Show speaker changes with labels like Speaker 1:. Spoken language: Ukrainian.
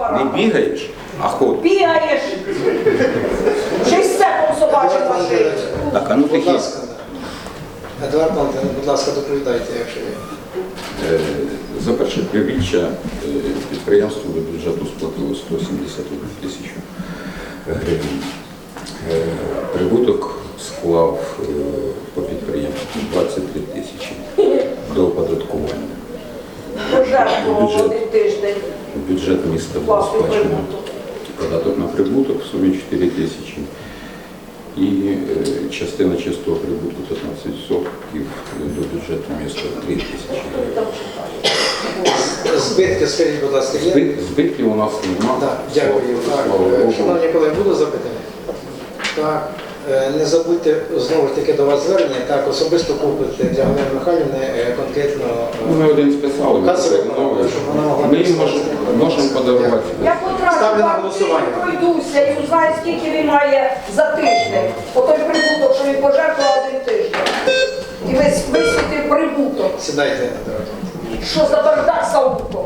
Speaker 1: апарата.
Speaker 2: Не бігаєш, а ходиш.
Speaker 1: Бігаєш. Ще й степом собачим машині.
Speaker 2: Так, а ну
Speaker 3: Будь
Speaker 2: тихі.
Speaker 3: ласка, Едуард Валентинович, будь ласка, доповідайте, якщо є.
Speaker 2: За перше півріччя підприємство до бюджету сплатило 171 тисячу гривень. Прибуток склав по підприємству 23 тисячі до оподаткування.
Speaker 1: Пожертвував один тиждень.
Speaker 2: В бюджет міста було
Speaker 1: Власний
Speaker 2: сплачено
Speaker 1: прибуток.
Speaker 2: податок на прибуток в сумі 4 тисячі. І частина чистого прибутку 15% до бюджету міста 3 тисячі гривень.
Speaker 3: Збитки, скажіть, будь ласка, є?
Speaker 2: Збитків у нас немає.
Speaker 3: Так, дякую. Так, шановні колеги, буде запитання? Так. Не забудьте, знову ж таки, до вас звернення, так, особисто купити для Галини Михайлівни конкретно
Speaker 2: Ми один списали, ми
Speaker 3: касовий
Speaker 2: повернули.
Speaker 3: щоб вона могла
Speaker 2: Ми їм
Speaker 3: написати.
Speaker 2: можемо подарувати.
Speaker 1: Я потрачу
Speaker 3: Ставлю на
Speaker 1: вам
Speaker 3: голосування.
Speaker 1: пройдуся і узнаю, скільки він має за тиждень. Отой прибуток, що він пожертвував один тиждень. І висвітив прибуток.
Speaker 3: Сідайте, Едуард Валентинович.
Speaker 1: Що за бардак за луком?